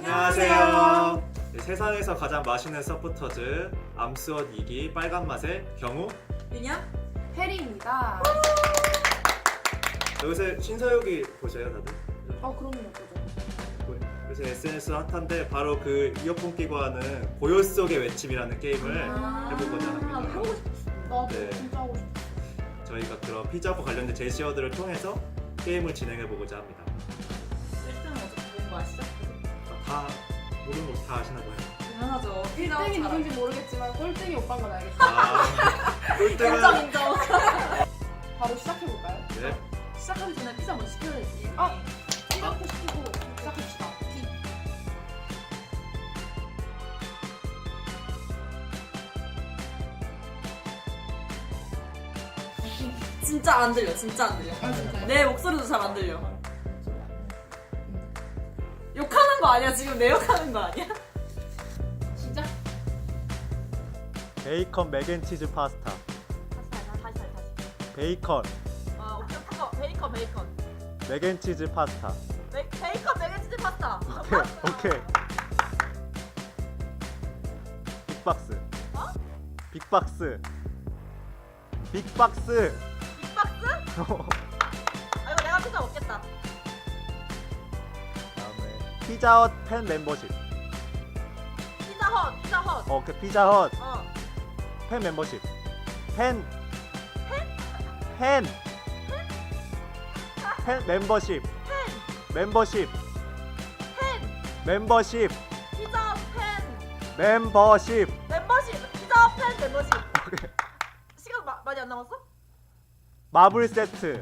안녕하세요. 네, 세상에서 가장 맛있는 서포터즈 암스원 2기 빨간 맛의 경우 윤영? 해리입니다. 요새 신서유기 보셔요 다들? 그럼요, 그죠. 요새 SNS 핫한데 바로 그 이어폰 끼고 하는 고요 속의 외침이라는 게임을 해보고자 합니다. 하고 싶었어. 나도 네. 진짜 하고 싶어. 저희가 그런 피자와 관련된 제시어들을 통해서 게임을 진행해보고자 합니다. 1등은 어차피 본거 아시죠? 다 모르는 거 다 아시나 봐요. 당연하죠. 1등이 누군지 모르겠지만 꼴등이 오빠인 건 알겠다. 아, 꼴등은 인정 인정. 바로 시작해볼까요? 네. 시작하기 전에 피자 먼저 시켜야지. 시작부터 시키고 시작합시다. 진짜 안 들려. 진짜 안 들려. 진짜요? 내 목소리도 잘 안 들려. 욕하는 거 아니야? 지금 내 욕하는 거 아니야? 시작. 베이컨 맥앤치즈 파스타. 다시. 베이컨 오케이. 베이컨. 맥앤치즈 파스타. 베이컨 맥앤치즈 파스타. 오케이. 빅박스. 빅박스. 빅박스? 아 이거 내가 피자 먹겠다. 다음에 피자헛 팬 멤버십. 피자헛. 오케이 피자헛 어. 팬 멤버십. 팬 멤버십. 멤버십. 멤버십. 피자 팬 멤버십. 피자 팬 멤버십. 시간 많이 안 남았어? 마블 세트.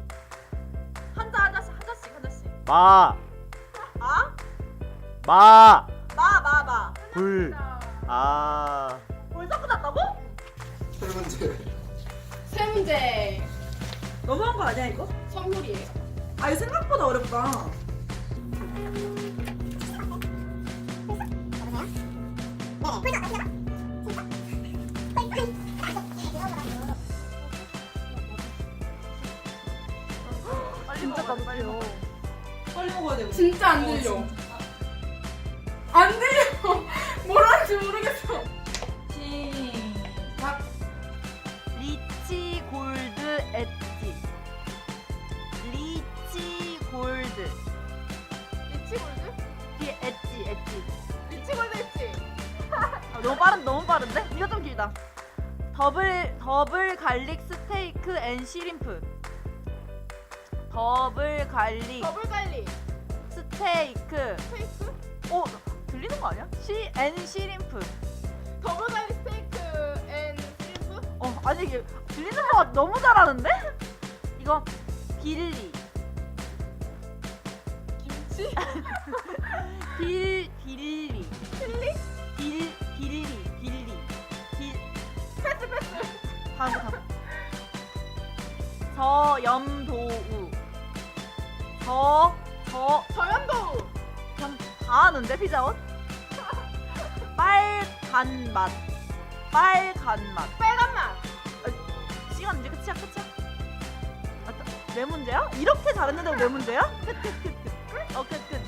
하나씩. 마. 아? 마. 마. 불. 아. 벌써 끝났다고? 세 문제 너무한 거 아니야 이거? 선물이에요. 아 이거 생각보다 어렵다. 진짜 깜짝이야. 빨리 먹어야 돼. 우리. 진짜 안 들려. 안 들려. 뭘 하는지 모르겠어. 시작. 리치 골드 엣지. 리치 골드. 뒤에 엣지. 너무 빠른데? 이거 좀 길다. 더블 갈릭 스테이크 앤 시림프. 더블 갈릭 스테이크. 오, 들리는 거 아니야? 앤 시림프. 아니 이게 들리는 거 너무 잘하는데? 이거 빌리. 김치? 빌리. 다음. 저염도우. 저염도우. 그냥 다 아는데 피자헛? 빨간 맛. 빨간 맛. 시간 이제 끝이야. 네 문제야? 이렇게 잘했는데 네 문제야? 끝. 끝.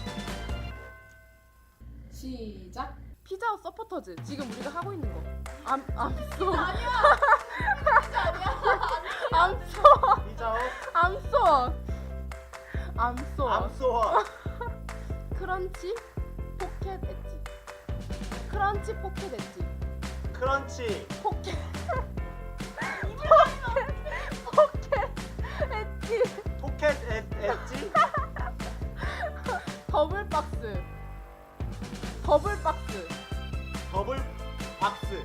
시작. 피자헛 서포터즈. 지금 우리가 하고 있는 거. 암소. 피자헛. 암소. 크런치 포켓 엣지. 크런치. 포켓. 포켓 엣지. 더블 박스. 더블 박스.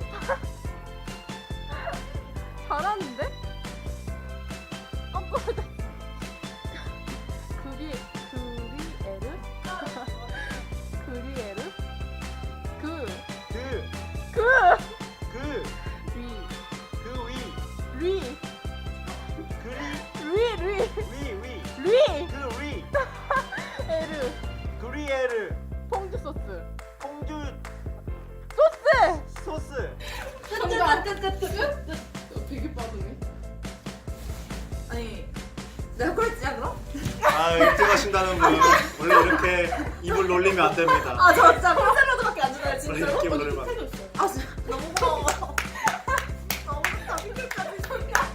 잘하는데? 깜빡이다. 그리에르. 그리에르. 퐁듀 소스. 소스. 끝. 되게 빠르네. 아니 내가 그랬지 그럼? 아, 1등 하신다는 분 원래 이렇게 입을 놀리면 안 됩니다. 아 저 진짜 콘샐러드밖에 안 주나요 진짜로? 입을 놀리면 안 도 돼. 있어요. 아 진짜 너무 고마워. 너무 좋다 피클까지 좋다.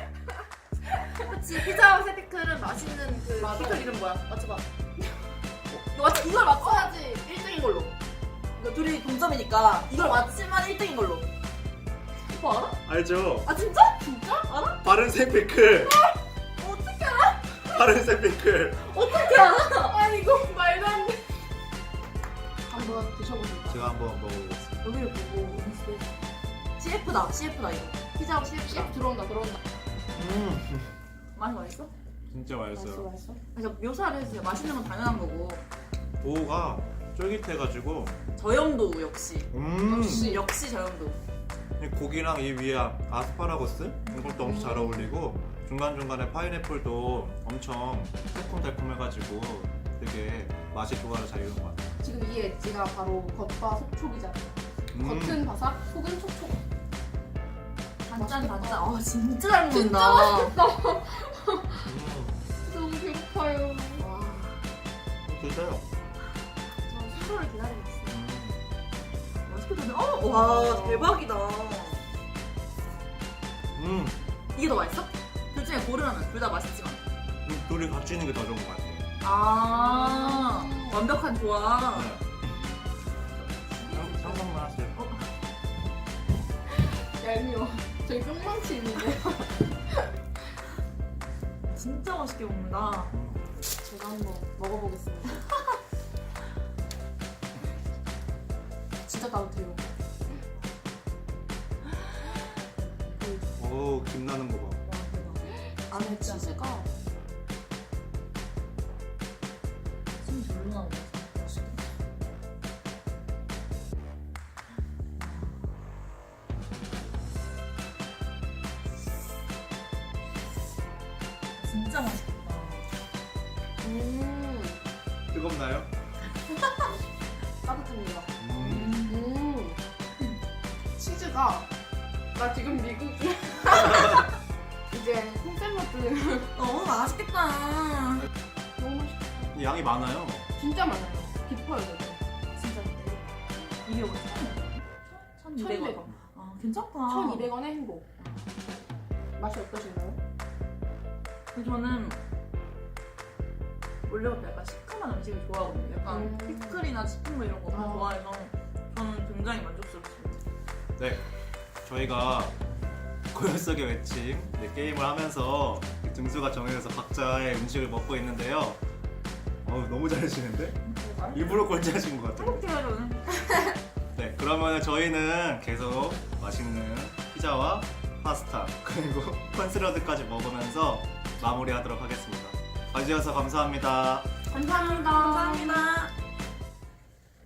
그치 피자 세피클은 맛있는 그 맞아. 피클 이름 뭐야? 맞춰봐. 이걸 맞춰야지 1등인 걸로. 이거 둘이 동점이니까 이걸 맞히면 1등인 걸로. 오빠 알아? 알죠? 아 진짜? 진짜? 알아? 파른색 피클. 어떻게 알아? 파른색 피클. 어떻게 알아? 아니 이거 말도 안 돼. 한번 드셔보세요. 제가 한번 먹어보겠습니다. 여기를 보고 CF다 CF다 이거. 피자하고 CF다. 들어온다. 맛이 맛있어? 진짜 맛있어요. 맛있어. 그러니까 묘사를 해주세요. 맛있는 건 당연한 거고. 도우가 쫄깃해가지고 저염도 역시. 역시. 역시 저염도. 이 고기랑 이 위에 아스파라거스 이것도 엄청 잘 어울리고 중간중간에 파인애플도 엄청 새콤달콤해가지고 되게 맛이 조화를 잘 이루는 것 같아요. 지금 이 엣지가 바로 겉바 속촉이잖아요. 겉은 바삭, 속은 촉촉. 단짠 맛있겠다. 단짠. 아 진짜 잘 진짜 먹는다. 맛있겠다. 음, 너무 배고파요. 와, 드세요. 저 순서를 기다리고 있어요. 음. 맛있게 드네. 와 대박이다. 이게 더 맛있어? 둘 중에 고르라면 둘 다 맛있지만. 둘이 같이 있는 게 더 좋은 것 같아요. 아 완벽한 조합. 네. 상상만 하세요. 얄미워. 저기 뿅망치 있는데. 진짜 맛있게 먹는다. 제가 한번 먹어보겠습니다. 진짜 따뜻해요. 오, 김 나는 거 봐. 와 대박. 안에 치즈가 숨이 절로 나오네. 맛있겠다. 진짜 맛있겠다. 뜨겁나요? 따뜻합니다. 음. 치즈가 나 지금 미국이야. 이제 콩샐러드 너무 맛있겠다. 너무 맛있다. 양이 많아요. 진짜 많아요. 깊어요, 여기. 진짜. 이게 얼마? 1,200원. 아 괜찮다. 1,200원의 행복. 맛이 어떠신가요? 근데 저는 원래부터 약간 시큼한 음식을 좋아하거든요. 약간 피클이나 치킨 뭐 이런 거 다 아. 좋아해서 저는 굉장히 만족스럽습니다. 네, 저희가 고요 속의 외침 게임을 하면서 등수가 정해져서 각자의 음식을 먹고 있는데요. 너무 잘하시는데? 일부러 꼴찌하신 것 같아요. 행복해요 저는. 네, 그러면 저희는 계속 맛있는 피자와 파스타 그리고 콘샐러드까지 먹으면서 마무리하도록 하겠습니다. 봐주셔서 감사합니다. 감사합니다. 감사합니다.